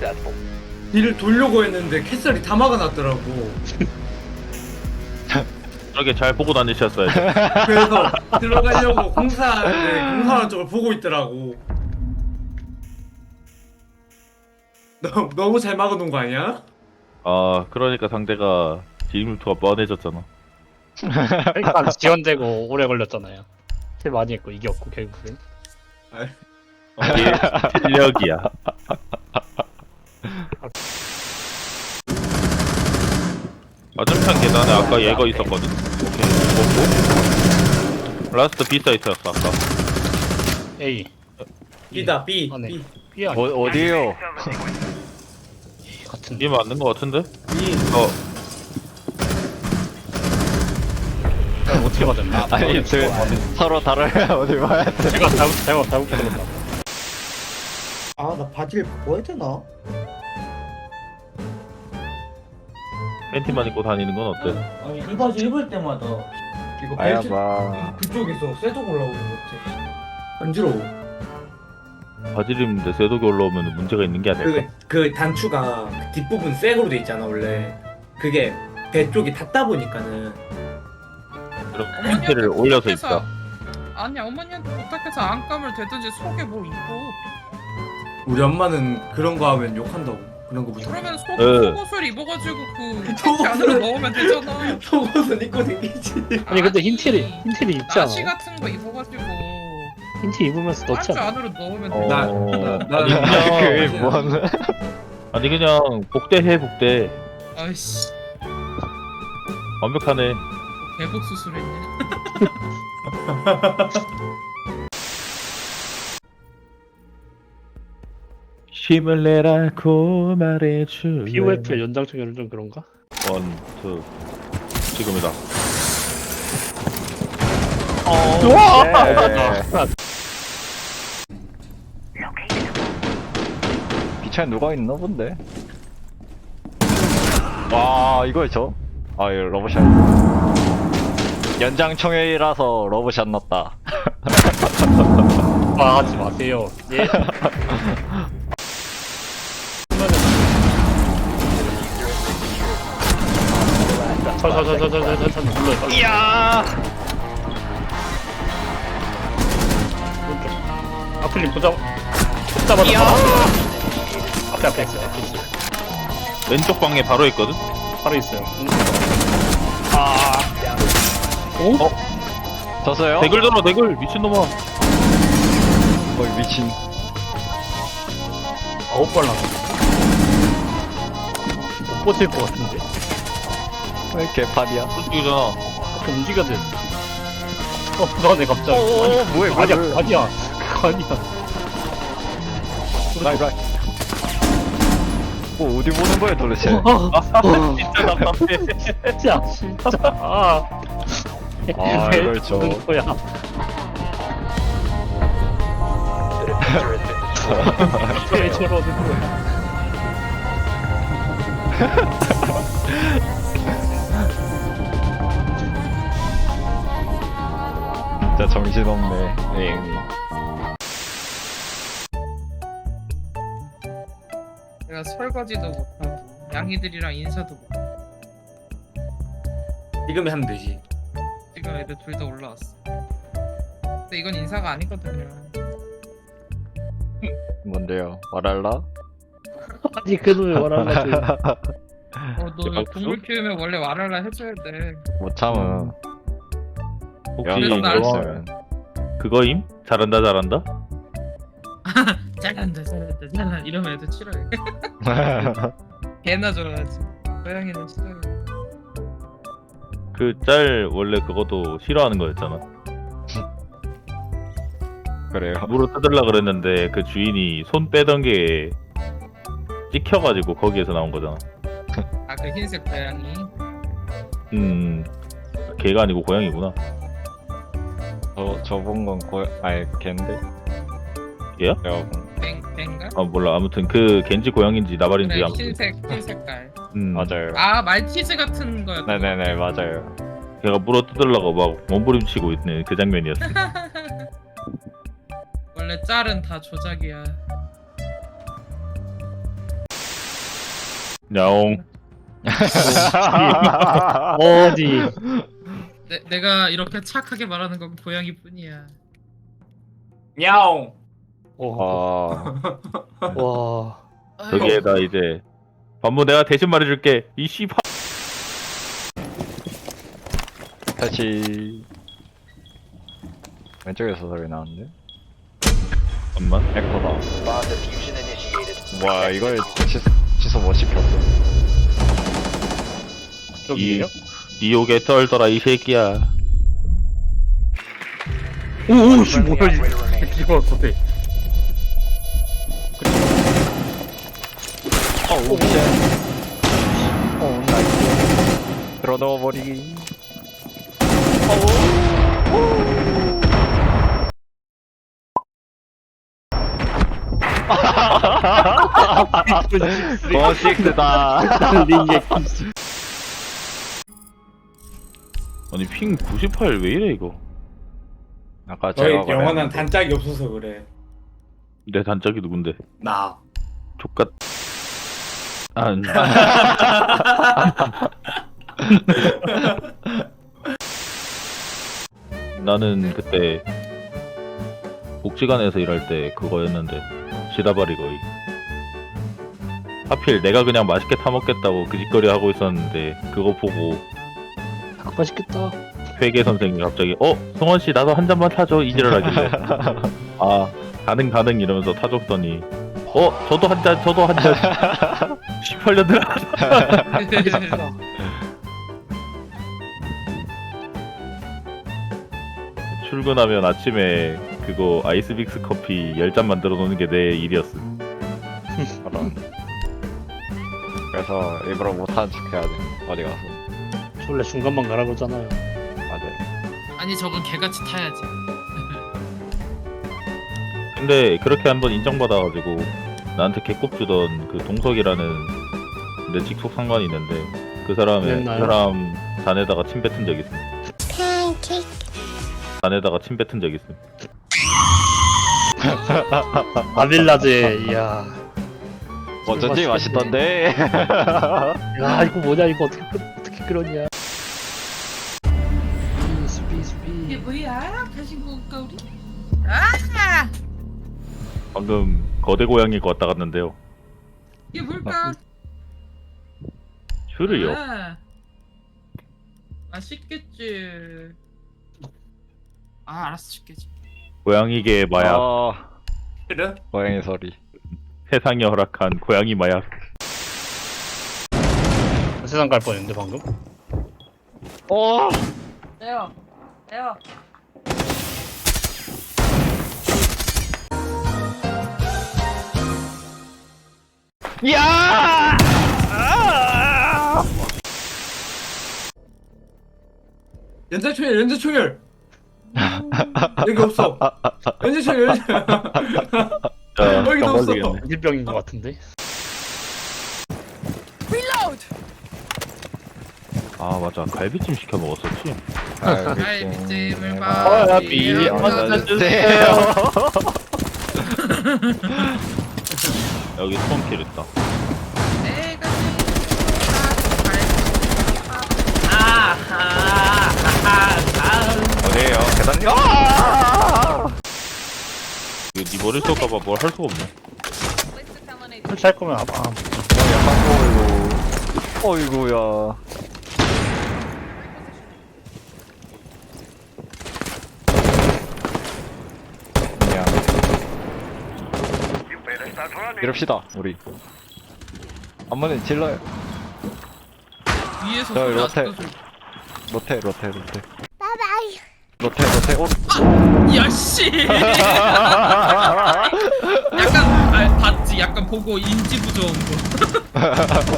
뒤를 돌려고 했는데 캐슬이 다 막아놨더라고. 저렇게 잘 보고 다니셨어야죠. 그래서 들어가려고 공사하는데 공사하는 쪽을 보고 있더라고. 너무 잘 막아놓은 거 아니야? 아, 그러니까 상대가 지름투가 뻔해졌잖아. 그러니까 지연되고 오래 걸렸잖아요. 킬 많이 했고 이겼고 결국엔. 이게 실력이야. 맞은편 계단에 아까 얘가 있었거든. 오케이, 먹고. 라스트 B 사이트였어 아까. A. B다 B. 아, 네. B. B 아니 어디에요? 같은. 이게 맞는 거 같은데? B. 어떻게 맞았나? 아니 서로 다르면 어디 봐야 돼? 제가 잘못 들었나? 아, 나 바지를 바꿔야 되나? 팬티만 입고 다니는 건 어때? 아니 이 바지 입을 때마다 이거 아야 벨트 봐. 그쪽에서 쇠독 올라오는 것 같아. 간지러워. 바지를 입는데 쇠독이 올라오면 문제가 있는 게 아닐까? 그 단추가 그 뒷부분 쇠고로 돼 있잖아 원래. 그게 배 쪽이 닿다 보니까는. 그럼 팬티를 올려서 입자. 아니 어머니한테 부탁해서 안감을 대든지 속에 뭘 입고 우리 엄마는 그런 거 하면 욕한다고. 그런 거부터. 그러면 네. 속옷을 입어가지고 그 팬티 속옷을- 안으로 넣으면 되잖아. 속옷은 입고 다니지. 아니 근데 흰티를 입지 나시 않아? 같은 거 입어가지고 흰티 입으면서 넣지 단추 않아? 안으로 넣으면 어, 돼. 아니 그게 그냥 뭔? 아니 그냥 복대해 복대. 아이씨 완벽하네. 대복 수술했네. 힘을 내라고 말해줄래. POF의 연장충에는 좀 그런가? 원, 투. 지금이다. 비차에 누가 있나 본데? 와 이거였죠? 아 이거 러브샷. 연장총회라서 러브샷 넣었다. 아 하지 마세요. 예. 철철철철철철철 눌러요. 이야. 아플림 보자. 잡아. 앞에 있어요. 앞에 있어요. 왼쪽 방에 바로 있거든? 바로 있어요. 졌어요? 대글 들어 대글 미친놈아. 거의 미친. 9발 나가. 못 버틸 것 같은데. 왜 개판이야? 솔직히잖아. 앞에 움직여야 돼. 불안해 갑자기. 뭐해 아니야, 뭐해? 아니야. 그거 아니야. 라이. 뭐 어디 보는 거야 도대체? 진짜 답답해. 진짜. 아 이걸 줘. 보는 거야. 왜 저러는 거야? 진짜 정신없네. 엥. 내가 설거지도 못하고 양이들이랑 인사도 못하고 지금에 하면 되지. 지금 애들 둘 다 올라왔어. 근데 이건 인사가 아니거든요. 뭔데요? 말할라? 아니 그 놈이 말하는 거지. 너 박수? 동물 키우면 원래 말하라 해줘야 돼. 못 참음. 혹시 그래서 날 이거 있으면. 그거임? 잘한다 잘한다? 잘한다 잘한다 이러면 애들 싫어해. 개나 좋아하지. 고양이는 싫어해. 그 짤 원래 그것도 싫어하는 거였잖아. 그래요. 물어 뜯으려 그랬는데 그 주인이 손 빼던 게 찍혀가지고 거기에서 나온 거잖아. 아 그 흰색 고양이. 개가 아니고 고양이구나. 저본 건 아니 걘데? 얘야? 내가 뱅가? 아 몰라. 아무튼 그 겐지 고양인지 나발인지 그래 아무튼. 흰 색깔. 맞아요. 아 말티즈 같은 거였던 거. 네네네 맞아요. 걔가 물어 뜯으려고 막 몸부림치고 있는 그 장면이었어. 원래 짤은 다 조작이야. 야옹. 어디? 내가 이렇게 착하게 말하는 건 고양이뿐이야. 야옹. 와. 와. 여기에다 이제 반부 내가 대신 말해줄게. 이 씨발. 다시 왼쪽에서 소리 나는데? 잠깐만. 에코다. Bomb diffusion initiated. 와 이걸 취소 못 시켰어. 저기에요? 니옥에 떨더라 이 새끼야. 오오씨 Friendly 뭐야 operator remaining. 이거 어때? 오 쉣. 오 나이스. 들어 넣어버리기. 버식스다. 링게 아니 핑 98 왜 이래 이거? 아까 너희 제가 영원한 말했는데. 단짝이 없어서 그래. 내 단짝이 누군데? 나. 족같. 아, 나는 그때 복지관에서 일할 때 그거였는데 시다바리 거의. 하필 내가 그냥 맛있게 타 먹겠다고 그 짓거리 하고 있었는데 그거 보고 맛있겠다. 회계 선생님이 갑자기 승원 씨 나도 한 잔만 타줘 이지랄 하길래 아 가능 이러면서 타줬더니 저도 한 잔 18년들 출근하면 아침에 그거 아이스빅스 커피 10잔 만들어 놓는 게 내 일이었어. 그런. 그래서 일부러 못하는 척 해야 돼. 어디 가서. 원래 중간만 가라 그러잖아요. 맞아요. 아니 저건 개같이 타야지. 근데 그렇게 한번 인정받아가지고 나한테 개꼽 주던 그 동석이라는 내 직속 상관이 있는데 그 사람 잔에다가 침 뱉은 적 있음. 잔에다가 침 뱉은 적 있음. 아빌라제 이야. 어쩐지 맛있던데. 야 이거 뭐냐 이거 어떻게 그러냐. 이게 뭐야? 다시 먹을까 우리? 아! 방금 거대 고양이가 왔다 갔는데요. 이게 뭘까? 슈를요. 아, 맛있겠지. 아 알았어 줄게지. 고양이계의 마약. 그래? 고양이 소리. 세상이 허락한 고양이 마약. 세상 갈 뻔했는데 방금. 내요. 야! 연쇄초열. 여기 없어. 연쇄초열. 자, 여기도 병 없어. 걸리겠네. 일병인 것 같은데. 아 맞아 갈비찜 시켜 먹었었지. 갈비찜을 갈비 주세요. 여기 스톤킬 있다. 내가 어디에요? 계단님? 이거 니 머리 쏠까봐 뭘 할 수가 없네. 설치할 거면 아마 어이구야. 그냥 이럽시다 우리. 한번에 질러요. 위에서 저 소리 로테. 났어. 로테. 로테 로테. 야 씨. 약간 봤지. 약간 보고 인지 부조한 거.